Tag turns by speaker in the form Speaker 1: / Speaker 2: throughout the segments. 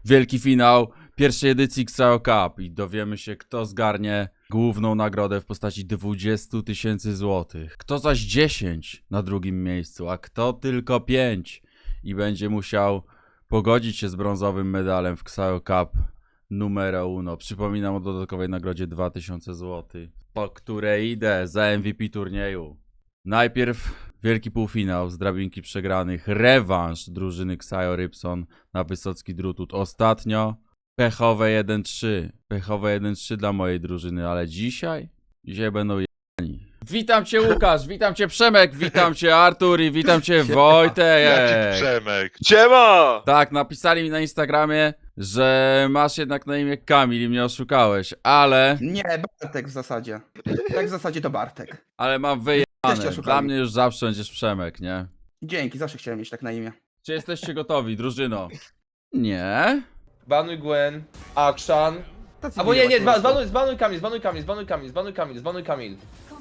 Speaker 1: wielki finał pierwszej edycji XAO Cup i dowiemy się, kto zgarnie główną nagrodę w postaci 20 000 złotych. Kto zaś 10 na drugim miejscu, a kto tylko 5 i będzie musiał pogodzić się z brązowym medalem w XAO Cup numero uno. Przypominam o dodatkowej nagrodzie 2000 zł, po której idę za MVP turnieju. Najpierw wielki półfinał z drabinki przegranych, rewanż drużyny XAO Rybson na Wysocki Drutut. Ostatnio pechowe 1-3. Pechowe 1-3 dla mojej drużyny, ale dzisiaj będą jani. Witam cię Łukasz, witam cię Przemek, witam cię Artur i witam cię Wojtek.
Speaker 2: Jaki Przemek?
Speaker 3: Siema!
Speaker 1: Tak, napisali mi na Instagramie, że masz jednak na imię Kamil i mnie oszukałeś, ale
Speaker 4: Nie, Bartek w zasadzie. Tak w zasadzie to Bartek.
Speaker 1: mam
Speaker 4: Też cię
Speaker 1: wyjebane.
Speaker 4: oszukali.
Speaker 1: Dla mnie już zawsze będziesz Przemek, nie?
Speaker 4: Dzięki, zawsze chciałem mieć tak na imię.
Speaker 1: Czy jesteście gotowi, drużyno? Nie?
Speaker 5: Banuj Gwen, Akshan.
Speaker 4: Tacy
Speaker 5: Albo nie,
Speaker 4: miło po prostu.
Speaker 5: zbanuj Kamil, zbanuj Kamil.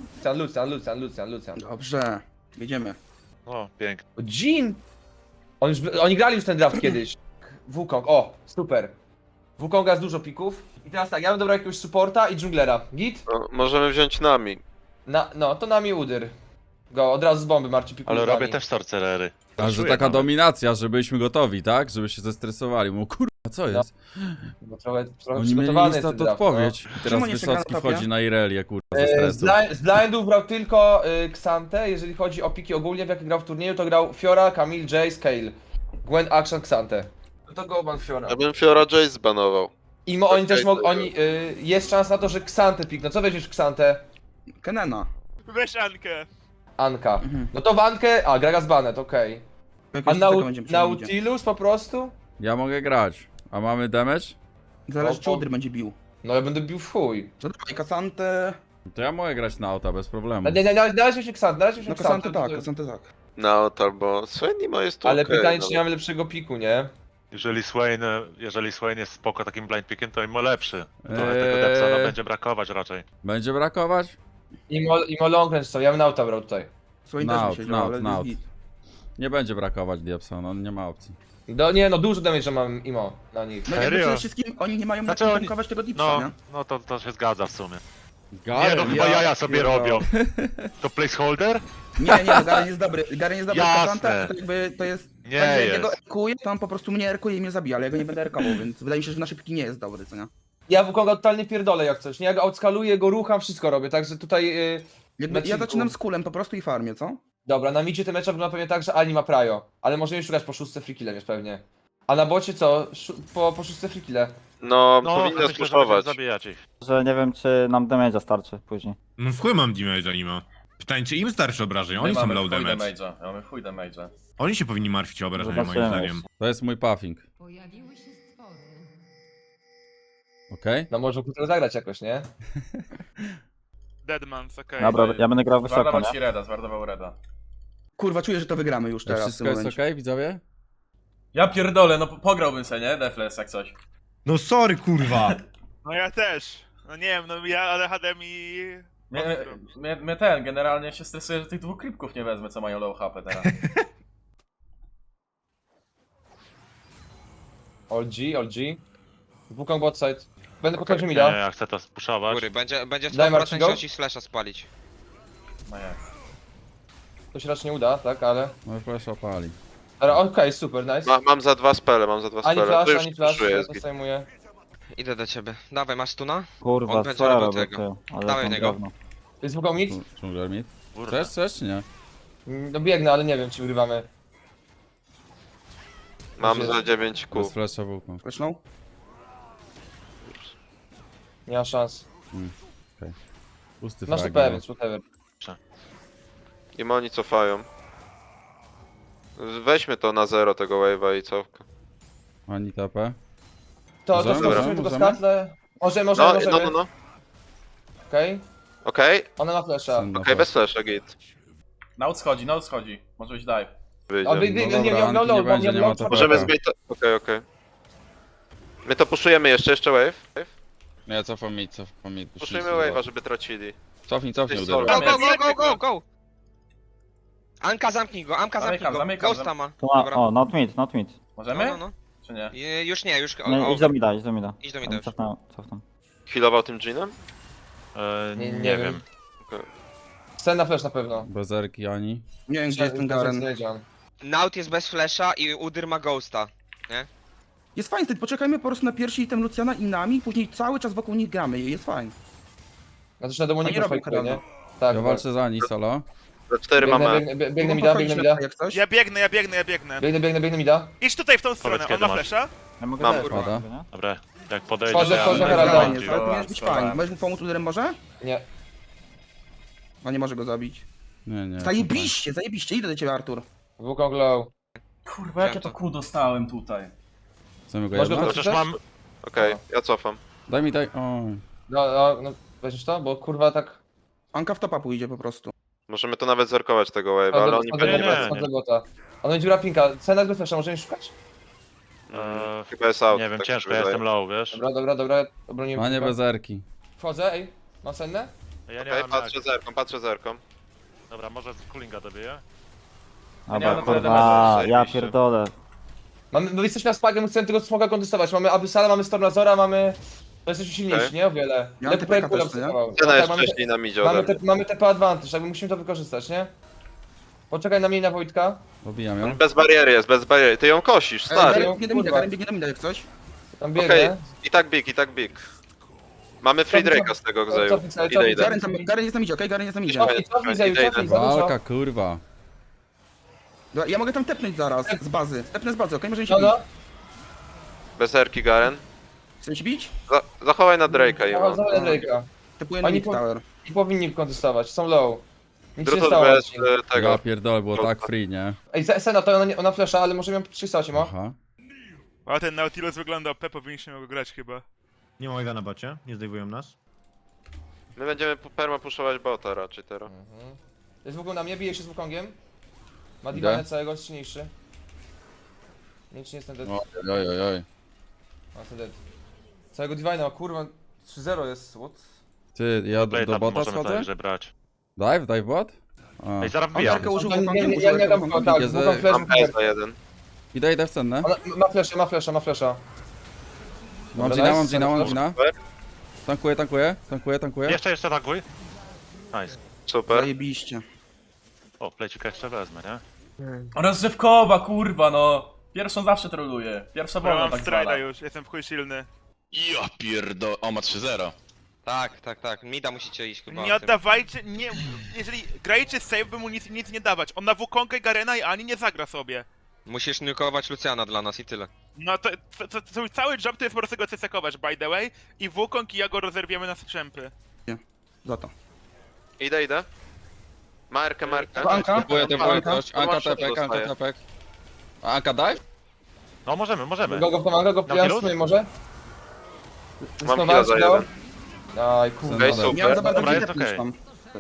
Speaker 5: Lucian.
Speaker 4: Dobrze, jedziemy.
Speaker 2: O, pięknie.
Speaker 5: O, Jin! Oni grali już ten draft kiedyś. Wukong, o, super. Wukonga z dużo pików. I teraz tak, ja bym dobrał jakiegoś supporta i dżunglera. Git?
Speaker 3: No, możemy wziąć nami.
Speaker 5: No, to nami udyr. Go, od razu z bomby marczy pików.
Speaker 2: Ale robię też sorcerery.
Speaker 1: A że
Speaker 2: Czuję
Speaker 1: taka
Speaker 2: nawet.
Speaker 1: dominacja, że byliśmy gotowi, tak? Żeby się zestresowali. Mówię, kurwa, co jest?
Speaker 5: Bo trochę
Speaker 1: Oni mieli
Speaker 5: przygotowany jest
Speaker 1: instant
Speaker 5: ten draft,
Speaker 1: odpowiedź. I teraz
Speaker 4: Czemu nie czeka
Speaker 1: Wysocki
Speaker 4: na topie?
Speaker 1: wchodzi na Irelię, kurwa, ze
Speaker 5: no.
Speaker 1: stresu.
Speaker 5: Z blindów brał tylko Xante, jeżeli chodzi o piki ogólnie, w jakie grał w turnieju, to grał Fiora, Camille, Jay, Scale. Gwen, Action, Xante. No to go ban Fiora.
Speaker 3: Ja bym Fiora Jace zbanował.
Speaker 5: I oni
Speaker 3: Okej,
Speaker 5: też mogą,
Speaker 3: to-
Speaker 5: jest szansa na to, że Xante pikną. Co weźmiesz w Xante?
Speaker 4: Kenena.
Speaker 6: Weź Ankę.
Speaker 5: Anka.
Speaker 4: Mhm.
Speaker 5: No to w Ankę, Gragas Banet, okej. A
Speaker 4: Jakiegoś tego będziemy przyjmować.
Speaker 5: Nautilus po prostu?
Speaker 1: Ja mogę grać. A mamy damage?
Speaker 4: Zależy czy
Speaker 5: O,
Speaker 4: Udry będzie bił.
Speaker 5: No ja będę bił w chuj.
Speaker 4: To dawaj, Kasantę.
Speaker 1: To ja mogę grać na auta bez problemu.
Speaker 5: Nie, na razie się Xante, na razie się
Speaker 4: No
Speaker 5: Xante.
Speaker 4: Kasantę tak, Kasantę tak.
Speaker 3: Naut albo Swainimo jest tu
Speaker 5: Ale
Speaker 3: okej,
Speaker 5: pytanie,
Speaker 3: no.
Speaker 5: czy nie mamy lepszego piku, nie?
Speaker 2: Jeżeli Swain jest spoko takim blind pickiem, to im lepszy. Trochę tego Depsona będzie brakować raczej.
Speaker 1: Będzie brakować?
Speaker 5: Imo long range co, ja bym Nauta brał tutaj.
Speaker 4: Swoim też mi
Speaker 1: Naut,
Speaker 4: się działo, ale
Speaker 1: naut.
Speaker 4: jest git.
Speaker 1: Nie będzie brakować Diabson, on nie ma opcji.
Speaker 5: Nie no, dużo damage mam Imo na nich.
Speaker 4: No jakby
Speaker 2: Serio?
Speaker 4: przede wszystkim oni nie mają na
Speaker 2: Znaczy
Speaker 4: czym
Speaker 2: oni-
Speaker 4: tankować tego dipsa,
Speaker 2: No,
Speaker 4: nie?
Speaker 2: no to się zgadza w sumie.
Speaker 1: Garen,
Speaker 2: Nie no, chyba jaja sobie robią. To placeholder?
Speaker 4: Nie, Garen jest dobry. Garen jest dobry z
Speaker 2: Jasne.
Speaker 4: Kasantę, to jakby to jest...
Speaker 2: Nie
Speaker 4: tak, że jak
Speaker 2: jest.
Speaker 4: ja go erkuję, to on po prostu mnie erkuje i mnie zabija, ale ja go nie będę erkował, więc wydaje mi się, że nasze piki nie jest dobry, co nie?
Speaker 5: Ja Wukonga totalnie pierdolę jak coś, nie? Ja go outskaluję, go rucham, wszystko robię, także tutaj...
Speaker 4: Jakby,
Speaker 5: Na
Speaker 4: ja
Speaker 5: kilku.
Speaker 4: zaczynam z kulem po prostu i farmię, co?
Speaker 5: Dobra, na midzie ten mecz wygląda pewnie tak, że Ani ma Prajo, ale możemy szukać po szóstce freekillem jest pewnie. A na bocie co? Po szóstce freekille.
Speaker 3: No,
Speaker 2: No,
Speaker 3: powinna
Speaker 2: myślę, że będziemy
Speaker 3: spuszować.
Speaker 2: zabijać ich.
Speaker 7: Że nie wiem, czy nam damage'a starczy później.
Speaker 8: No w chuj mam damage'a Nimo. Pytanie, czy im starsze obrażenia? Oni są low damage.
Speaker 6: Mamy chuj damage'a.
Speaker 8: Oni się powinni martwić o obrażenia moim
Speaker 7: Zobaczymy.
Speaker 8: zdaniem.
Speaker 1: To jest mój puffing.
Speaker 9: Pojawiły się stwory.
Speaker 1: Okej?
Speaker 5: No może to zagrać jakoś, nie?
Speaker 6: Deadmans, okej.
Speaker 7: Dobra, ja będę grał wysoko,
Speaker 6: Zwardował
Speaker 7: nie?
Speaker 6: ci Reda, zwardował Reda.
Speaker 4: Kurwa, czuję, że to wygramy już teraz w
Speaker 1: Wszystko
Speaker 4: tym
Speaker 1: jest
Speaker 4: momencie.
Speaker 1: okej, widzowie?
Speaker 6: Ja pierdolę, no pograłbym se, nie? Defles jak coś.
Speaker 8: No sorry kurwa!
Speaker 6: No ja też. No nie wiem, no ja ADHD mi...
Speaker 10: Mnie generalnie się stresuje, że tych dwóch klipków nie wezmę, co mają low HP teraz.
Speaker 5: OLG. Wukong bot side. Będę podchodził
Speaker 2: Nie,
Speaker 5: mida.
Speaker 2: ja chcę to spuszować.
Speaker 3: Góry, będzie
Speaker 5: Daj Marcin
Speaker 3: 100%
Speaker 5: go.
Speaker 3: szans slasha spalić.
Speaker 10: No jest.
Speaker 5: To się raczej nie uda, tak, ale...
Speaker 1: No flash opali.
Speaker 5: Dobra, okej, super, nice.
Speaker 3: Mam za dwa spele,
Speaker 5: Ani
Speaker 3: To
Speaker 5: flash,
Speaker 3: już
Speaker 5: ani flash,
Speaker 3: puszuję,
Speaker 5: ja
Speaker 3: jest
Speaker 5: to
Speaker 3: git.
Speaker 5: zajmuję.
Speaker 3: Idę do ciebie. Dawaj, masz stuna?
Speaker 7: Kurwa,
Speaker 3: On będzie
Speaker 7: co ja
Speaker 3: robił
Speaker 7: robię,
Speaker 3: tego.
Speaker 7: ty? Ale
Speaker 3: Dawaj
Speaker 7: jaką
Speaker 3: niego.
Speaker 7: gówno.
Speaker 5: Jest Wukong mid?
Speaker 1: Dżungler mid?
Speaker 2: Kurde.
Speaker 1: Chcesz czy nie?
Speaker 5: No biegnę, ale nie wiem czy wygrywamy.
Speaker 3: Mam za 9
Speaker 1: Bez
Speaker 3: kół.
Speaker 1: flasha włókno.
Speaker 4: Zresztą?
Speaker 5: Nie ma szans.
Speaker 1: Pusty
Speaker 5: Masz
Speaker 1: frag.
Speaker 5: TP, więc whatever.
Speaker 3: I oni cofają. Weźmy to na 0 tego wave'a i cofkę.
Speaker 1: Ani TP.
Speaker 5: To
Speaker 1: Możemy?
Speaker 5: skoczymy tylko
Speaker 1: Możemy?
Speaker 5: skatle. Możemy.
Speaker 3: No.
Speaker 5: Okej.
Speaker 3: Okej,
Speaker 5: Ona ma flesza.
Speaker 1: Syn na
Speaker 3: okej, bez flasha, git.
Speaker 10: Naut schodzi. Może być dive.
Speaker 3: Wyjdzie.
Speaker 5: O, bieg,
Speaker 1: No
Speaker 5: nie,
Speaker 1: dobra,
Speaker 5: nie,
Speaker 1: Anki nie będzie, nie ma to
Speaker 3: Możemy
Speaker 1: TP.
Speaker 3: zmienić to. Okej. My to puszujemy jeszcze wave.
Speaker 1: Nie, cofam mid.
Speaker 3: Puszujmy wave'a, żeby tracili.
Speaker 1: Cofnij,
Speaker 3: Ty solo.
Speaker 1: uderz.
Speaker 3: Go! Anka zamknij go,
Speaker 10: Zamykam,
Speaker 3: Ghosta ma.
Speaker 7: To ma, o, not mid.
Speaker 10: Możemy? Czy nie?
Speaker 9: Już nie, już...
Speaker 7: Nie, idź do mida, idź do mida.
Speaker 9: Idź do mida
Speaker 7: Tam
Speaker 9: już.
Speaker 7: Cofnę.
Speaker 3: Healował tym Jeanem?
Speaker 2: Nie wiem.
Speaker 5: Scena flash na pewno.
Speaker 1: Bez erki ani.
Speaker 4: Nie wiem, gdzie jest ten Garen.
Speaker 9: Naut jest bez flasha i Udyr ma ghosta.
Speaker 4: Jest fajnie, wtedy poczekajmy po prostu na pierwszy item Luciana i nami, później cały czas wokół nich gramy i jest fajnie.
Speaker 5: No to na demoniku
Speaker 4: Oni robią
Speaker 5: fajkuje, nie?
Speaker 4: Heralda.
Speaker 5: Tak,
Speaker 1: Ja walczę za Ani solo.
Speaker 3: Za 4 mamy.
Speaker 5: Biegnę mida, biegnę mida.
Speaker 4: Jak coś?
Speaker 11: Ja biegnę.
Speaker 5: Biegnę mida.
Speaker 11: Idź tutaj w tą stronę, on
Speaker 2: kiedy
Speaker 11: ma
Speaker 2: masz.
Speaker 11: flesza?
Speaker 7: Ja mogę
Speaker 3: Mam,
Speaker 7: też,
Speaker 1: kurwa.
Speaker 7: nie?
Speaker 2: Dobra, jak podejdzie,
Speaker 5: Wchodzę,
Speaker 2: to
Speaker 5: wchodzę,
Speaker 2: ja
Speaker 5: Heralda.
Speaker 4: Fajnie,
Speaker 2: bardziej.
Speaker 4: ale to miałeś być fajnie. Możesz mu pomóc Uderem może?
Speaker 5: Nie.
Speaker 4: No nie może go zabić.
Speaker 1: Nie.
Speaker 4: Zajebiście, idę do ciebie Artur.
Speaker 5: Wukong low.
Speaker 10: Kurwa, jakie to kół dostałem tutaj.
Speaker 1: Chcemy go
Speaker 5: Masz go
Speaker 1: jedno?
Speaker 2: Chociaż mam...
Speaker 3: Okej, ja cofam.
Speaker 1: Daj mi, daj. O.
Speaker 5: No, weźmiesz to? Bo kurwa tak...
Speaker 4: Anka w topa pójdzie po prostu.
Speaker 3: Możemy to nawet zerkować tego wave'a, ale oni pewnie
Speaker 2: nie.
Speaker 3: bez...
Speaker 5: bota. On będzie dziura pinka. Cena jest bez flasha, możemy szukać?
Speaker 3: Chyba jest out.
Speaker 2: Nie wiem,
Speaker 3: tak
Speaker 2: ciężko,
Speaker 3: się
Speaker 2: ja
Speaker 3: wydaje.
Speaker 2: jestem low, wiesz?
Speaker 5: Dobra. Obroniłem
Speaker 1: A nie
Speaker 5: pinka.
Speaker 1: bez erki.
Speaker 5: Wchodzę, ej. Mam sennę?
Speaker 2: Ja nie
Speaker 3: Okej,
Speaker 2: mam
Speaker 3: patrzę zerką.
Speaker 2: Dobra, może z coolinga dobiję?
Speaker 1: No
Speaker 7: Dobra,
Speaker 10: mam
Speaker 7: kurwa,
Speaker 3: tyle
Speaker 7: ja
Speaker 3: zajebiście.
Speaker 7: pierdolę.
Speaker 5: My jesteśmy na spagiem, chcemy tego smoga kontestować. Mamy Abyssala, mamy Stormazora, mamy... To jesteśmy silniejsi,
Speaker 3: Okej.
Speaker 5: nie? O wiele.
Speaker 4: Ja
Speaker 5: Ale
Speaker 4: mam
Speaker 5: TP
Speaker 4: TPK
Speaker 5: kula
Speaker 4: też, nie?
Speaker 5: obserwował.
Speaker 3: Cena
Speaker 5: Tak,
Speaker 3: jest
Speaker 5: mamy
Speaker 3: wcześniej na midzie ode mnie.
Speaker 5: mamy TP advantage, jakby musimy to wykorzystać, nie? Poczekaj na mnie i na Wojtka.
Speaker 1: Pobijam ją.
Speaker 3: Bez bariery jest, bez bariery. Ty ją kosisz, stary.
Speaker 4: Garen biegnie do mida,
Speaker 5: kurwa.
Speaker 4: Garen biegnie do mida jak coś.
Speaker 5: Tam
Speaker 3: Okej,
Speaker 5: biegnę.
Speaker 3: i tak big. Mamy free Drake'a z tego gzeju.
Speaker 5: Cofnij,
Speaker 3: Idę.
Speaker 4: Garen jest na midzie, okej? Garen jest na midzie.
Speaker 5: Cofnij, Zeju, cofnij, za dużo.
Speaker 1: Walka, kurwa.
Speaker 4: Dobra, ja mogę tam tepnąć zaraz, z bazy. Tepnę z bazy, okej? Możemy się
Speaker 5: No,
Speaker 4: bić.
Speaker 5: no.
Speaker 3: Bez erki Garen.
Speaker 4: Chcesz się bić?
Speaker 3: Zachowaj na Drake'a i
Speaker 5: Za Drake'a.
Speaker 4: Tepuję na
Speaker 5: Oni
Speaker 4: mid
Speaker 5: po-
Speaker 4: tower.
Speaker 5: I powinni kontestować, są low. Nic się nie
Speaker 3: Drutos
Speaker 5: stało.
Speaker 3: bez
Speaker 1: Ja
Speaker 3: tego.
Speaker 1: pierdolę, było tak free, nie?
Speaker 5: Ej, Sena to ona flasha, ale możemy ją przystać, mo?
Speaker 1: Aha.
Speaker 11: A ten Nautilus wygląda OP, powinniśmy go grać chyba.
Speaker 8: Nie ma na bocie, nie zdejmują nas.
Speaker 3: My będziemy perma puszować bota raczej teraz.
Speaker 5: Jest Wukong na mnie, bije się z Wukongiem. Ma
Speaker 1: Idę.
Speaker 5: Divine całego, jest silniejszy. Nie, czy nie jestem dead.
Speaker 1: Oj.
Speaker 5: A, jestem dead. Całego Divine, o kurwa, 3-0 jest, what?
Speaker 1: Ty, ja do
Speaker 2: Blade'a
Speaker 1: bota
Speaker 2: możemy
Speaker 1: schodzę?
Speaker 2: także brać.
Speaker 1: Dive bot? A.
Speaker 2: Ej, zaraz
Speaker 4: On
Speaker 2: wbijam.
Speaker 4: Arkę użył,
Speaker 5: Ja
Speaker 4: Wukongiem,
Speaker 5: nie
Speaker 4: użył
Speaker 5: dam
Speaker 4: Wukongiem.
Speaker 5: tak,
Speaker 1: Jest,
Speaker 5: Wukong flash,
Speaker 3: Mam PS za jeden.
Speaker 1: Idę w cennę.
Speaker 5: Ma flasha.
Speaker 1: Mam
Speaker 5: Dobra,
Speaker 1: Gina,
Speaker 5: nice,
Speaker 1: mam Gina. Tankuję.
Speaker 2: Jeszcze tankuj. Nice.
Speaker 3: Super.
Speaker 4: Zajebiście.
Speaker 2: O, plecika jeszcze wezmę, nie?
Speaker 10: Rozrzewkowa, kurwa, no. Pierwszą zawsze troluję. Pierwsza
Speaker 11: Ja
Speaker 10: wolna
Speaker 11: mam
Speaker 10: tak zwana.
Speaker 11: strajda już, jestem w chuj silny.
Speaker 12: Ja pierdol... O, ma 3-0.
Speaker 9: Tak. Mida musicie iść chyba.
Speaker 11: Nie oddawajcie, nie... Jeżeli grajcie save, by mu nic nie dawać. On na Wukonga i Garena i Ani nie zagra sobie.
Speaker 9: Musisz nukować Luciana dla nas i tyle.
Speaker 11: No to cały job to jest po prostu go cesekować, by the way. I Wukong i ja go rozerwiemy na strzępy.
Speaker 4: Za to.
Speaker 3: Idę. Markę.
Speaker 4: Anka?
Speaker 3: Anka tepek.
Speaker 1: Anka dive?
Speaker 2: No możemy.
Speaker 5: Go pomaga, go
Speaker 2: Nautilus?
Speaker 5: pijam sobie może?
Speaker 3: Mam chwilę za jeden.
Speaker 5: Aj, kurwa.
Speaker 3: Okej,
Speaker 1: Dobra.
Speaker 4: Miałem za
Speaker 3: super.
Speaker 4: bardzo
Speaker 2: Dobra, jest
Speaker 4: tepnąć
Speaker 2: okej.
Speaker 4: tam.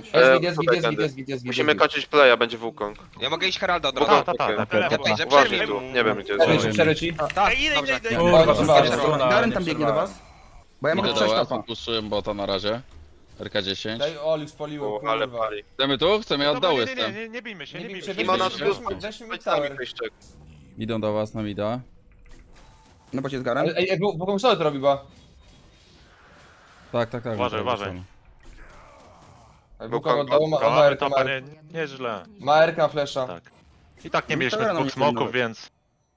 Speaker 5: Jest.
Speaker 3: Musimy kończyć playa, będzie Wukong.
Speaker 9: Ja mogę iść Heralda od
Speaker 2: No,
Speaker 9: razu.
Speaker 2: tak.
Speaker 11: Lewo.
Speaker 3: Uważaj tu, nie wiem gdzie jest.
Speaker 5: Przeryć ci.
Speaker 9: Tak,
Speaker 11: Ej, idę.
Speaker 10: Kurwa,
Speaker 5: Chodź,
Speaker 10: wszystkie
Speaker 5: chodź,
Speaker 10: strona,
Speaker 4: Garen
Speaker 10: nie
Speaker 4: tam biegnie do
Speaker 10: przerwałem.
Speaker 4: was. Bo ja mogę przejść topa.
Speaker 1: Puszczuję bota na razie. RK10.
Speaker 5: Daj Oli, spaliło,
Speaker 3: O, ale
Speaker 5: kurwa.
Speaker 3: pali.
Speaker 1: Chcemy tu? Chcemy, ja od dołu jestem.
Speaker 2: Nie bijmy się,
Speaker 5: Nie
Speaker 2: nie
Speaker 5: bij
Speaker 2: bijmy
Speaker 5: się,
Speaker 2: się.
Speaker 3: Imona
Speaker 5: weźmy-
Speaker 3: plus.
Speaker 5: weźmy
Speaker 3: Chodź
Speaker 5: cały.
Speaker 3: sami wyjście.
Speaker 1: Idą do was na mida.
Speaker 4: No bo cię z Garen.
Speaker 5: Ej, Wukong solo to robi, ba.
Speaker 1: Tak.
Speaker 2: Uważaj.
Speaker 5: Wukong oddało, ma
Speaker 2: Kochamy
Speaker 5: RK,
Speaker 2: to, panie, nieźle.
Speaker 5: ma RK flasha.
Speaker 2: Tak. I tak nie
Speaker 4: No
Speaker 2: mieliśmy
Speaker 4: to rano
Speaker 2: dwóch
Speaker 4: nie
Speaker 2: smoków,
Speaker 4: powinno.
Speaker 2: więc...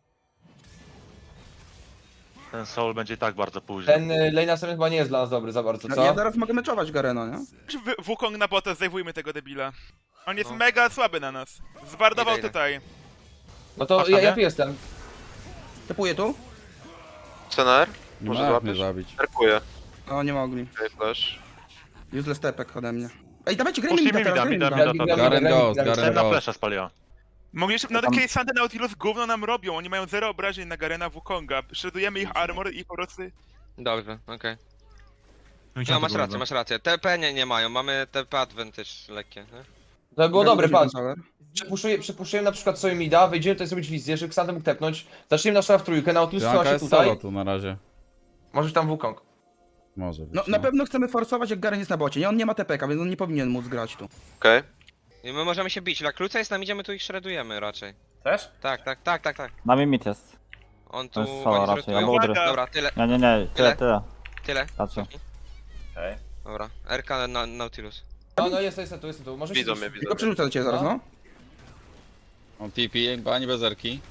Speaker 2: Ten soul będzie i tak bardzo późno.
Speaker 5: Ten lane następny chyba nie jest dla nas dobry za bardzo,
Speaker 4: No,
Speaker 5: co?
Speaker 4: ja zaraz mogę meczować Garena, nie?
Speaker 11: Wukong na bota, zdejmujmy tego debila. On jest mega słaby na nas. Zbardował
Speaker 9: Idę.
Speaker 11: tutaj.
Speaker 5: No to
Speaker 2: Masz tam,
Speaker 5: ja
Speaker 2: nie?
Speaker 5: tu jestem.
Speaker 4: Tepuję tu?
Speaker 3: Scenar?
Speaker 1: Nie
Speaker 3: Może
Speaker 1: ma jak mnie
Speaker 3: złapiesz?
Speaker 1: zabić.
Speaker 3: Erkuję.
Speaker 4: O, nie mogli.
Speaker 3: Okej, flash.
Speaker 4: Useless tepek ode mnie. Ej, dawajcie, grajmy
Speaker 2: Puścimy
Speaker 4: mida teraz,
Speaker 2: mida,
Speaker 4: grajmy
Speaker 2: mida,
Speaker 4: mida.
Speaker 2: to
Speaker 1: Garen Ghost,
Speaker 2: Ten
Speaker 1: Garen
Speaker 2: na
Speaker 1: Ghost.
Speaker 2: flesza spaliła.
Speaker 11: Mogliśmy, no
Speaker 7: Tam-
Speaker 11: takie Sandy Nautilus gówno nam robią, oni mają 0 obrażeń na Garena Wukonga. Shreddujemy ich armor i po prostu...
Speaker 9: Dobrze, okej.
Speaker 8: No,
Speaker 9: No masz rację. TP nie mają, mamy TP advantage lekkie, nie?
Speaker 5: To by było dobre, patrz.
Speaker 4: Tower.
Speaker 5: Przepuszczujemy na przykład sobie mida, wejdziemy tutaj zrobić wizję, żeby Xander mógł tepnąć. Zaczniemy na szala w trójkę, Nautilus
Speaker 1: Anka
Speaker 5: trzyma się
Speaker 1: jest solo
Speaker 5: tutaj.
Speaker 1: tu na razie.
Speaker 5: Możesz tam Wukong.
Speaker 1: Może być.
Speaker 4: No, na pewno chcemy forsować, jak Garen jest na bocie, nie? On nie ma TPK, więc on nie powinien móc grać tu.
Speaker 3: Okej.
Speaker 9: I my możemy się bić. Jak Luca jest nam idzie, my tu ich shreddujemy raczej.
Speaker 10: Też?
Speaker 9: Tak.
Speaker 7: Na mnie mit jest.
Speaker 9: On tu...
Speaker 7: To jest solo
Speaker 9: oni
Speaker 7: raczej,
Speaker 9: zrotują.
Speaker 7: albo udry.
Speaker 9: Dobra, tyle,
Speaker 7: Nie, tyle, tyle.
Speaker 9: tyle.
Speaker 7: Raczej.
Speaker 10: Okej.
Speaker 9: Dobra, RK na Nautilus.
Speaker 5: No, jestem tu, może
Speaker 3: Widzą
Speaker 5: się
Speaker 3: mnie, widzą
Speaker 4: Tylko
Speaker 3: mnie.
Speaker 4: przerzucę do ciebie zaraz, no.
Speaker 12: On TP, bani bez erki.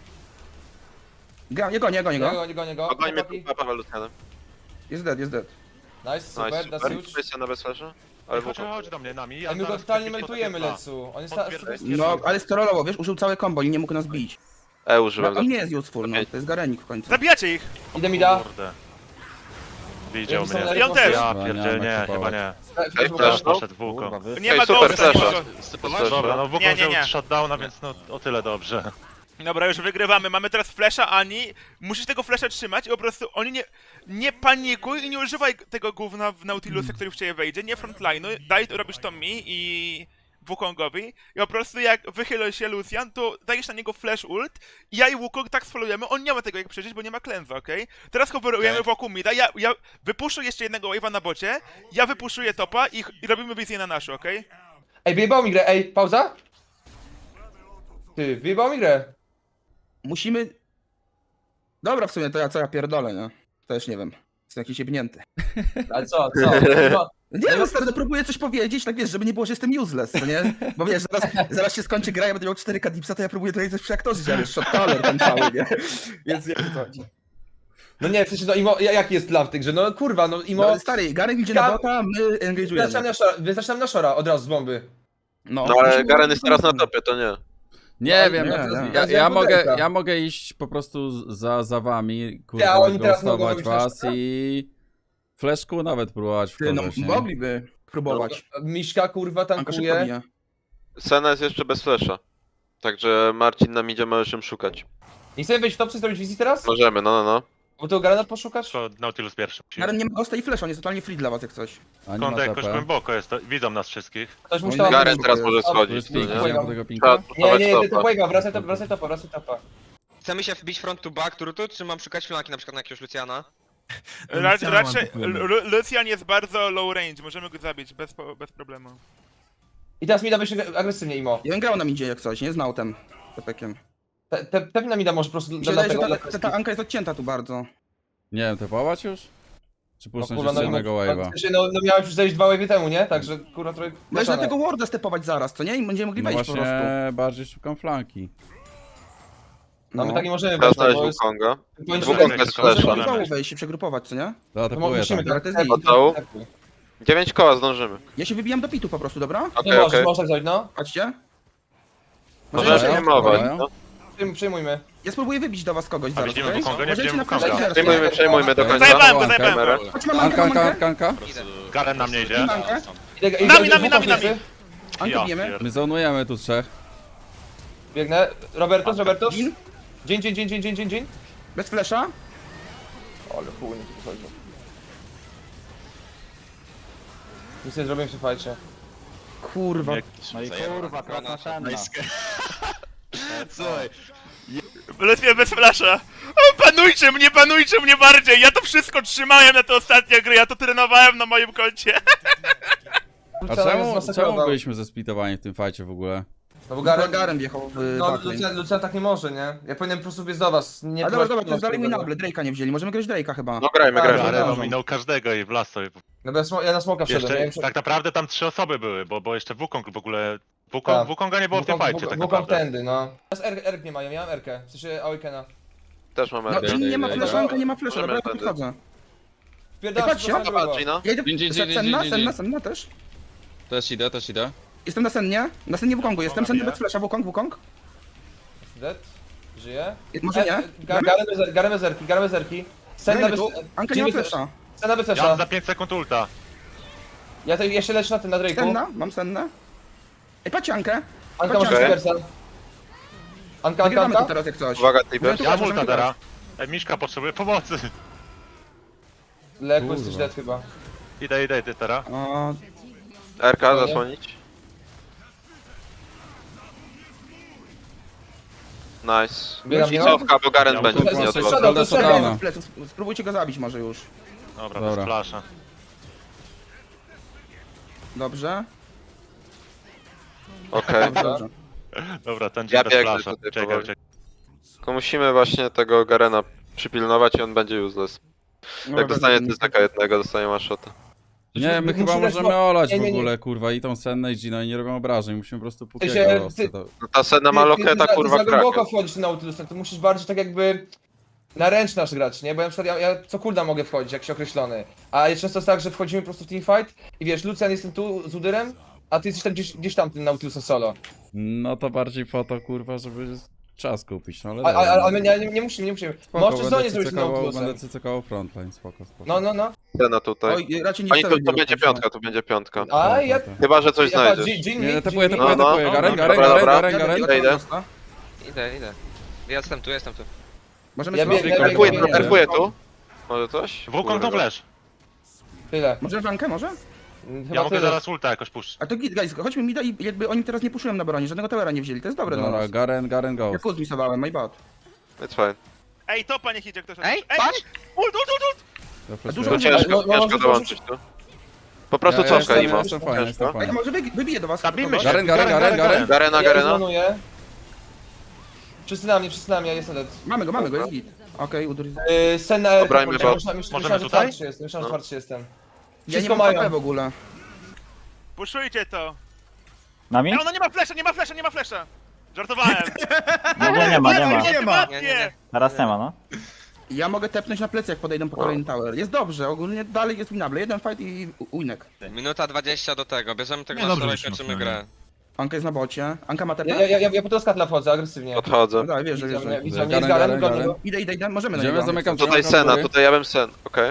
Speaker 4: Nie gonię go.
Speaker 5: Gonię go.
Speaker 3: Ogońmy
Speaker 5: Chłopaki.
Speaker 3: tu Paweł Lucianem.
Speaker 4: Jest dead.
Speaker 5: Nice, super,
Speaker 3: Nice,
Speaker 5: that's
Speaker 3: super.
Speaker 5: huge.
Speaker 3: Kwestia na bezflasha. Ale
Speaker 2: Chodź,
Speaker 3: wokół.
Speaker 2: chodź do mnie nami.
Speaker 5: Ej, my go
Speaker 2: zaraz
Speaker 5: totalnie
Speaker 2: podpiszę
Speaker 5: meltujemy,
Speaker 2: dwa.
Speaker 5: Lecu. On jest
Speaker 2: Podpierdolę.
Speaker 4: No, ale strollował, wiesz, użył całe combo i nie mógł nas bić.
Speaker 3: Użyłem
Speaker 4: On nie jest useful, no. To jest Garenik w końcu.
Speaker 11: Zabijacie ich!
Speaker 5: Idę mi da.
Speaker 2: Kurde. Widział
Speaker 5: Ja
Speaker 2: mnie.
Speaker 11: I on też.
Speaker 2: Ja
Speaker 1: Dobra,
Speaker 2: pierdzielę,
Speaker 1: nie
Speaker 2: nie,
Speaker 1: ma
Speaker 2: chyba
Speaker 1: kupować.
Speaker 2: nie.
Speaker 3: Ej,
Speaker 2: Też
Speaker 3: flash, no.
Speaker 2: poszedł Wukong.
Speaker 7: Kurwa, wy...
Speaker 11: Nie ma
Speaker 3: super,
Speaker 11: ghosta
Speaker 3: flasha.
Speaker 11: nikogo.
Speaker 2: Dobra, no Wukong
Speaker 11: Nie,
Speaker 2: wziął
Speaker 11: nie.
Speaker 2: shutdowna, więc no o tyle dobrze.
Speaker 11: Dobra, już wygrywamy. Mamy teraz flasha, Ani. Musisz tego flasha trzymać i po prostu oni nie panikuj i nie używaj tego gówna w Nautilusa, który w ciebie wejdzie. Nie frontline'u. Daj, robisz to mi i Wukongowi. I po prostu jak wychylą się Lucian, to dajesz na niego flash ult. I ja i Wukong tak sfolujemy. On nie ma tego jak przeżyć, bo nie ma cleansa, okej? Teraz coverujemy wokół mida. Ja wypuszuję jeszcze jednego wave'a na bocie. Ja wypuszuję topa i robimy wizję na naszą, okej?
Speaker 5: Ej, wyjebało mi grę, ej, pauza? Ty, wyjebało mi grę.
Speaker 4: Musimy... Dobra, w sumie to co ja pierdolę, nie? Też nie wiem. Jestem jakiś jebnięty.
Speaker 5: Ale co? No,
Speaker 4: Nie wiem, stary, no próbuję coś powiedzieć, tak wiesz, żeby nie było, że jestem useless, co nie? Bo wiesz, zaraz się skończy gra, ja będę miał 4K dipsa, to ja próbuję tutaj coś przeaktorzyć, ale shot caller ten cały, nie? Więc jak to chodzi.
Speaker 5: no nie, w sensie, no Imo, jaki jest plan w tej grze? No kurwa, no Imo...
Speaker 4: No, stary, Garen idzie na bota, my engage'ujemy.
Speaker 5: Wyznaczam na Shora od razu z bomby.
Speaker 3: No ale Garen jest teraz na topie, to nie.
Speaker 1: Nie wiem,
Speaker 4: nie.
Speaker 1: ja mogę iść po prostu za wami,
Speaker 5: Ja,
Speaker 1: kurwa,
Speaker 5: oni teraz mogą
Speaker 1: ghostować
Speaker 5: robić
Speaker 1: was
Speaker 5: też,
Speaker 1: i fleszku nawet próbować
Speaker 4: Ty, no
Speaker 1: wkorzeć, nie?
Speaker 4: mogliby próbować.
Speaker 5: Miśka kurwa
Speaker 4: Anka szybko
Speaker 5: tankuje.
Speaker 4: bije.
Speaker 3: Sena jest jeszcze bez flasha. Także Marcin nam idzie, możesz ją szukać.
Speaker 5: Nie chcemy wejść w topce i zrobić wizji teraz?
Speaker 3: Możemy, no.
Speaker 5: Bo to Garena poszukasz?
Speaker 2: To Nautilus pierwszy.
Speaker 4: Garen nie ma ghosta i flash, on jest totalnie free dla was jak coś.
Speaker 1: A nie ma
Speaker 2: Kąt jakoś
Speaker 1: TP.
Speaker 2: głęboko jest, to widzą nas wszystkich.
Speaker 5: Ktoś musi
Speaker 4: No
Speaker 5: tam...
Speaker 4: i
Speaker 3: Garen teraz może
Speaker 1: Tu
Speaker 3: schodzić,
Speaker 1: jest
Speaker 3: co
Speaker 1: pink,
Speaker 3: nie?
Speaker 1: idziemy po tego pinka?
Speaker 3: Trzeba
Speaker 5: Nie,
Speaker 3: budować
Speaker 5: to
Speaker 3: topa.
Speaker 5: Wave'a, wracaj topa.
Speaker 9: Chcemy się wbić front to back turtu, czy mam szukać flanki na przykład na jakiegoś Luciana?
Speaker 11: Raczej Lucian jest bardzo low range, możemy go zabić bez problemu.
Speaker 5: I teraz mi da wyjść agresywnie, Imo.
Speaker 4: Ja bym grał nam idzie jak coś, nie? Znał ten tepekiem.
Speaker 5: Pewnie mi da może po prostu...
Speaker 4: Mi się wydaje, że ta Anka jest odcięta tu bardzo.
Speaker 1: Nie wiem, tepować już? Czy puszczać
Speaker 5: kurwa,
Speaker 1: jeszcze jednego wave'a?
Speaker 5: No miałeś już zejść 2 wave'y temu, nie? Także kurwa trochę...
Speaker 4: Możesz na tego warda stepować zaraz, co nie? I będziemy mogli
Speaker 1: No
Speaker 4: wejść po prostu.
Speaker 1: właśnie, bardziej szukam flanki.
Speaker 5: No my tak nie możemy
Speaker 3: Trzeba
Speaker 5: wejść,
Speaker 3: znaleźć
Speaker 5: bo jest...
Speaker 3: Wukonga.
Speaker 5: powinniśmy-
Speaker 3: Wukong bez
Speaker 4: Możemy
Speaker 3: flasha.
Speaker 4: do dołu wejść i przegrupować, co nie?
Speaker 1: To
Speaker 5: to
Speaker 1: tepuję
Speaker 5: musimy
Speaker 1: tam.
Speaker 5: tak,
Speaker 4: To jest
Speaker 3: Od dołu?
Speaker 5: tak.
Speaker 3: 9 koła zdążymy.
Speaker 4: Ja się wybijam do pitu po prostu, dobra?
Speaker 5: Nie
Speaker 3: Okej,
Speaker 5: możesz,
Speaker 3: okej.
Speaker 5: możesz tak zrobić, no.
Speaker 4: Chodźcie.
Speaker 3: Możemy
Speaker 1: Dobra,
Speaker 3: przejmować,
Speaker 1: dobra.
Speaker 3: no.
Speaker 5: Przejmujmy.
Speaker 4: Ja spróbuję wybić do was kogoś zaraz,
Speaker 2: widzimy
Speaker 4: okej?
Speaker 2: Wukonga, nie
Speaker 4: Uważajcie
Speaker 2: widzimy
Speaker 4: na
Speaker 2: Wukonga.
Speaker 4: flash.
Speaker 3: Przejmujmy do końca.
Speaker 11: Zajebałem go,
Speaker 1: Anka.
Speaker 11: zajebałem go.
Speaker 4: Chodź, mam Ankę,
Speaker 1: Anka,
Speaker 4: mam
Speaker 1: Anka,
Speaker 4: Ankę.
Speaker 1: Anka, Anka.
Speaker 2: Garen na mnie idzie.
Speaker 4: Mam Ankę.
Speaker 11: Nami.
Speaker 4: Ankę
Speaker 2: Ja
Speaker 4: bijemy.
Speaker 2: pier-
Speaker 1: My zonujemy tu trzech.
Speaker 5: Biegnę. Robertus.
Speaker 4: Gin.
Speaker 5: Dzień.
Speaker 4: Bez flasha.
Speaker 5: Ale chuj, nie tu chodzi. Nic nie zrobiłem w tym fajcie.
Speaker 4: Kurwa.
Speaker 7: No i kurwa, krasna szenna.
Speaker 12: Słuchaj,
Speaker 11: Lepiej bez flasha. O, panujcie mnie bardziej! Ja to wszystko trzymałem na te ostatnie gry, ja to trenowałem na moim koncie.
Speaker 1: A czemu byliśmy zesplitowani w tym fajcie w ogóle?
Speaker 5: No bo
Speaker 4: Garen wjechał w
Speaker 5: No,
Speaker 4: backlane.
Speaker 5: Lucian tak nie może, nie? Ja powinienem po prostu biec do was. Nie
Speaker 4: A dobra,
Speaker 5: próbować
Speaker 4: to jest dalej mój
Speaker 5: tego.
Speaker 4: nable, Drake'a nie wzięli. Możemy grać Drake'a chyba.
Speaker 3: No grajmy.
Speaker 2: Garen
Speaker 4: dobra.
Speaker 2: ominął każdego i w las sobie.
Speaker 5: No bo ja na smoka wszedłem, ja
Speaker 2: Jeszcze, tak naprawdę tam 3 osoby były, bo jeszcze Wukong w ogóle...
Speaker 5: Tak.
Speaker 2: Wukonga nie było w tym fajcie tak
Speaker 5: Wukong
Speaker 2: naprawdę.
Speaker 5: tędy, no. Teraz Erk nie mają, ja mam Erkę. W sensie Awakena.
Speaker 3: Też mamy
Speaker 4: No, Jin nie ma
Speaker 3: Okej.
Speaker 4: flasha, Anka nie ma flasha, dobra, ja tu
Speaker 3: Możemy
Speaker 4: podchodzę.
Speaker 5: Wpierdalam
Speaker 4: patrzcie,
Speaker 5: się
Speaker 3: Dobra, Gina.
Speaker 4: Ja idę...
Speaker 12: Gin.
Speaker 4: Senna też.
Speaker 12: też idę.
Speaker 4: Jestem na Sennie. Na Sennie Wukongu, jestem Senny bez flasha, Wukong.
Speaker 5: Dead. Żyje.
Speaker 4: Może nie?
Speaker 5: Garen bez Erki. Senna bez...
Speaker 4: Anka nie ma flasha.
Speaker 5: Senna bez
Speaker 2: Ja mam
Speaker 5: flesza.
Speaker 2: za 5 sekund ulta.
Speaker 5: Ja jeszcze lecę na tym, na Drake'u.
Speaker 4: Senna, mam Sennę. Ej, patrzcie Ankę.
Speaker 5: Anka masz
Speaker 4: Okej.
Speaker 5: Bersa. Anka.
Speaker 4: Wygrywamy to teraz jak coś.
Speaker 3: Uwaga, Tiber.
Speaker 2: Ja mam ulta teraz. Miszka potrzebuje pomocy.
Speaker 5: Leku jesteś dead chyba.
Speaker 2: Idę teraz.
Speaker 4: O,
Speaker 3: RK zasłonić. Nice.
Speaker 5: Biegam,
Speaker 3: I
Speaker 5: no.
Speaker 3: cofka, bo Garen
Speaker 2: Ja
Speaker 3: będzie
Speaker 5: mam-
Speaker 3: nie od was.
Speaker 1: Golden Shutdowna.
Speaker 4: z pleców. Spróbujcie go zabić może już.
Speaker 2: Dobra,
Speaker 1: Dobra.
Speaker 2: bez flasha.
Speaker 4: Dobrze.
Speaker 3: Okej.
Speaker 4: Dobrze.
Speaker 2: Dobra, ten
Speaker 3: Ja
Speaker 2: bez
Speaker 3: biegnę
Speaker 2: flasha.
Speaker 3: tutaj
Speaker 2: Czekaj.
Speaker 3: powoli. Tylko musimy właśnie tego Garena Przypilnować i on będzie useless.
Speaker 4: No,
Speaker 3: Jak dostanie
Speaker 4: dobra,
Speaker 3: tyzaka jednego, dostanie one shota.
Speaker 1: Nie, my
Speaker 5: Muszę
Speaker 1: chyba
Speaker 5: dać
Speaker 1: możemy olać
Speaker 5: nie,
Speaker 1: w
Speaker 5: nie, nie.
Speaker 1: ogóle, kurwa, i tą Sennę i Gina i nie robią obrażeń, musimy po prostu
Speaker 5: się,
Speaker 1: Pukiego
Speaker 5: ty-
Speaker 1: to...
Speaker 3: No ta Senna ma loketa, kurwa,
Speaker 5: Ty za głęboko
Speaker 3: kraken.
Speaker 5: wchodzisz na Nautilusem, ty musisz bardziej tak jakby na ręcz nasz grać, nie? Bo ja na przykład ja co kulda mogę wchodzić, jakiś określony. A jest często tak, że wchodzimy po prostu w teamfight i wiesz, Lucian jestem tu z Udyrem, a ty jesteś tam gdzieś tam tym Nautilusem solo.
Speaker 1: No to bardziej po to, kurwa, żeby czas kupić, no ale...
Speaker 5: Ale my nie musimy.
Speaker 1: Spoko,
Speaker 5: Możesz zonie zrobić z tym Nautilusem.
Speaker 1: będę cycykował frontline, spoko.
Speaker 5: No.
Speaker 3: Senna tutaj.
Speaker 4: Oj, raczej nie
Speaker 3: Oni
Speaker 4: wstawię
Speaker 3: to
Speaker 4: go
Speaker 3: będzie
Speaker 4: końca.
Speaker 3: piątka, to będzie piątka.
Speaker 5: A ja...
Speaker 3: Chyba, że coś znajdziesz.
Speaker 1: Nie,
Speaker 5: to
Speaker 1: tepuję,
Speaker 3: No, no.
Speaker 1: Garen,
Speaker 3: Dobra, dobra.
Speaker 1: Garen.
Speaker 3: Idę.
Speaker 9: Idę. Jestem tu.
Speaker 4: Możemy
Speaker 5: Ja
Speaker 4: sobie-
Speaker 5: biegnę,
Speaker 3: Terpuję tu. Może coś?
Speaker 2: Wukong to flash.
Speaker 5: Tyle.
Speaker 4: Możemy flankę, może?
Speaker 5: Chyba
Speaker 2: Ja mogę
Speaker 5: tyle.
Speaker 2: zaraz ulta jakoś puszczyć.
Speaker 4: A to git, guys, chodźmy mida i jakby oni teraz nie puszują na bronie, żadnego towera nie wzięli, to jest dobre dla
Speaker 1: Dobra,
Speaker 4: nas.
Speaker 1: Garen, go.
Speaker 4: Ja kuz misowałem, my bad.
Speaker 3: It's fine.
Speaker 11: Ej, topa niech idzie ktoś.
Speaker 9: Ej, patrz!
Speaker 11: Ult!
Speaker 4: dużo
Speaker 3: To
Speaker 4: nie-
Speaker 3: ciężko
Speaker 5: może-
Speaker 3: dołączyć tu. Po prostu
Speaker 1: Ja
Speaker 3: cofka
Speaker 1: jestem-
Speaker 3: Imo.
Speaker 1: jestem fajny, jestem
Speaker 3: Ciężko.
Speaker 4: Ej,
Speaker 1: fajny.
Speaker 4: może wybiję do was.
Speaker 2: Zabijmy
Speaker 4: kogoś?
Speaker 2: się.
Speaker 1: Garen.
Speaker 3: Garena.
Speaker 5: Ja zonuję. Wszyscy na mnie, ja jestem dead.
Speaker 4: Mamy go, jest git. Okej, udur.
Speaker 5: Senna...
Speaker 3: Obrajmy bot.
Speaker 5: Myślałem, że
Speaker 2: tutaj?
Speaker 5: twardszy jestem.
Speaker 4: Ja nie
Speaker 5: Wszystko
Speaker 4: mam
Speaker 5: mają.
Speaker 4: HP w ogóle.
Speaker 11: Puszujcie to.
Speaker 7: Nami?
Speaker 11: Ej, ona nie ma flesza. Żartowałem.
Speaker 7: Nie ma.
Speaker 11: Nie.
Speaker 7: Teraz nie ma, no.
Speaker 4: Ja mogę tepnąć na plecy, jak podejdą po kolejny tower. Jest dobrze, ogólnie dalej jest winable. Jeden fight i winek.
Speaker 9: Minuta 20 do tego, bierzemy tego
Speaker 8: Nie,
Speaker 9: na
Speaker 8: dobrze,
Speaker 9: stole i
Speaker 8: że się
Speaker 9: kończymy
Speaker 8: mocno,
Speaker 9: grę.
Speaker 4: Anka jest na bocie. Anka ma TP?
Speaker 5: Ja po to skatla wchodzę, agresywnie.
Speaker 3: Podchodzę.
Speaker 4: No daj, wiesz, że
Speaker 5: Widzę mnie,
Speaker 4: wiesz.
Speaker 5: jest
Speaker 1: Garen,
Speaker 5: Garen,
Speaker 1: Garen.
Speaker 5: go.
Speaker 4: Idę, możemy na
Speaker 1: Idziemy,
Speaker 4: niego.
Speaker 1: zamykam
Speaker 3: Tutaj
Speaker 1: drzwi,
Speaker 3: Senna,
Speaker 1: góry.
Speaker 3: tutaj ja bym Sen. Okej.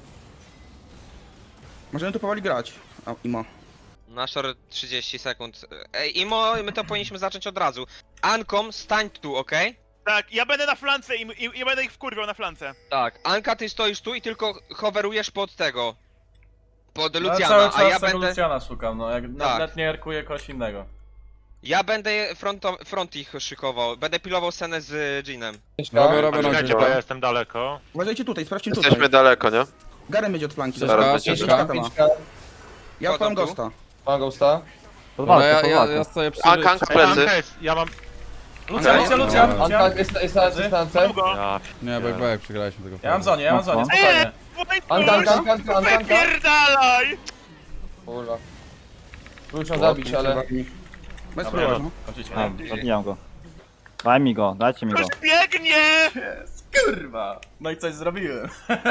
Speaker 4: Możemy tu powoli grać. O, Imo.
Speaker 9: Na short 30 sekund. Ej, Imo, my to powinniśmy zacząć od razu. Ankom, stań tu, okej?
Speaker 11: Tak, ja będę na flance i będę ich wkurwiał na flance.
Speaker 9: Tak. Anka, ty stoisz tu i tylko hoverujesz pod tego. Pod
Speaker 10: Ja
Speaker 9: Luciana,
Speaker 10: cały
Speaker 9: a
Speaker 10: czas
Speaker 9: ja
Speaker 10: tego
Speaker 9: będę...
Speaker 10: Luciana szukam, no jak
Speaker 9: Tak.
Speaker 10: nawet nie erkuję kogoś innego.
Speaker 9: Ja będę front ich szykował. Będę pilował scenę z Jeanem.
Speaker 1: Robię
Speaker 2: Czekajcie, bo
Speaker 1: na
Speaker 2: ja jestem daleko.
Speaker 4: Uważajcie tutaj, sprawdźcie tutaj.
Speaker 3: Jesteśmy daleko, nie?
Speaker 4: Garen będzie od flanki.
Speaker 1: Zaraz
Speaker 4: dobra.
Speaker 3: będzie.
Speaker 4: Jeszcze czeka ma. Ja odpalam
Speaker 9: Wchodzą tu?
Speaker 4: Ghosta.
Speaker 5: Mam ghosta.
Speaker 7: Pod
Speaker 1: Dobra,
Speaker 7: walkę, pod
Speaker 1: ja
Speaker 7: walkę.
Speaker 1: stoję przy...
Speaker 3: Anka plecy.
Speaker 2: Anka jest, ja mam...
Speaker 10: Lucian,
Speaker 1: No,
Speaker 5: Anka jest na dystance.
Speaker 11: Mam go.
Speaker 2: Ja...
Speaker 1: Nie, back, przegraliśmy tego.
Speaker 10: Ja mam zonie, spokojnie.
Speaker 5: Anka.
Speaker 11: Wypierdalaj!
Speaker 5: Kurwa. Próbuję zabić, ale...
Speaker 4: Bez
Speaker 10: Dobra,
Speaker 4: problemu.
Speaker 10: no, kończycie.
Speaker 7: A, zabijam go. Daj mi go, dajcie mi go.
Speaker 11: Ktoś biegnie!
Speaker 10: Kurwa! No i coś zrobiłem.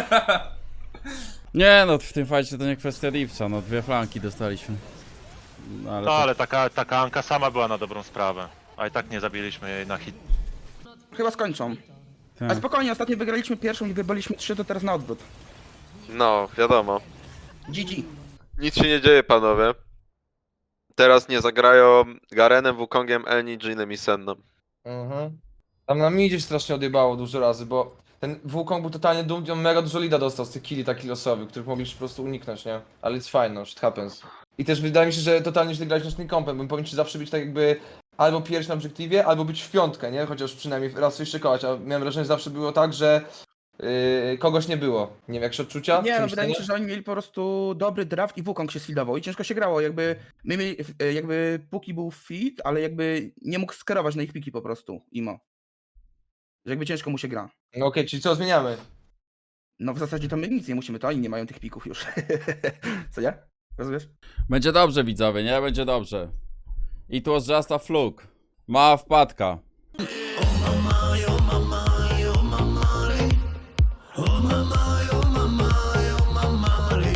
Speaker 1: Nie, no w tym fajcie to nie kwestia Divca, no 2 flanki dostaliśmy. No, ale
Speaker 2: No
Speaker 1: to...
Speaker 2: ale taka Anka sama była na dobrą sprawę. A i tak nie zabiliśmy jej na hit.
Speaker 4: Chyba skończą.
Speaker 1: Tak.
Speaker 4: A spokojnie, ostatnio wygraliśmy pierwszą i wybraliśmy 3, to teraz na odwrót.
Speaker 3: No, wiadomo.
Speaker 4: GG.
Speaker 3: Nic się nie dzieje, panowie. Teraz nie zagrają Garenem, Wukongiem, Eni, Jinem i Sennem.
Speaker 5: Tam na midzie się strasznie odjebało dużo razy, bo ten Wukong był totalnie dumny, on mega dużo lida dostał z tych killi takich losowych, których mogliśmy po prostu uniknąć, nie? Ale it's fine, no, shit happens. I też wydaje mi się, że totalnie źle graliśmy z tym kompem, bo powinniśmy zawsze być tak jakby albo pierwszy na obiektywie, albo być w piątkę, nie? Chociaż przynajmniej raz coś szykować, a miałem wrażenie, że zawsze było tak, że kogoś nie było. Nie wiem, jakieś odczucia?
Speaker 4: Nie, no
Speaker 5: Przemyślenia?
Speaker 4: wydaje mi się, że oni mieli po prostu dobry draft i Wukong się sfidował i ciężko się grało, jakby my mieli, jakby Puki był fit, ale jakby nie mógł skierować na ich piki po prostu, Imo. Że jakby ciężko mu się gra.
Speaker 5: No okej, czyli co, zmieniamy?
Speaker 4: No w zasadzie to my nic nie musimy, to oni nie mają tych pików już. Co nie? Rozumiesz?
Speaker 1: Będzie dobrze, widzowie, nie? Będzie dobrze. It was just a fluke. Mała wpadka.
Speaker 13: Ona mają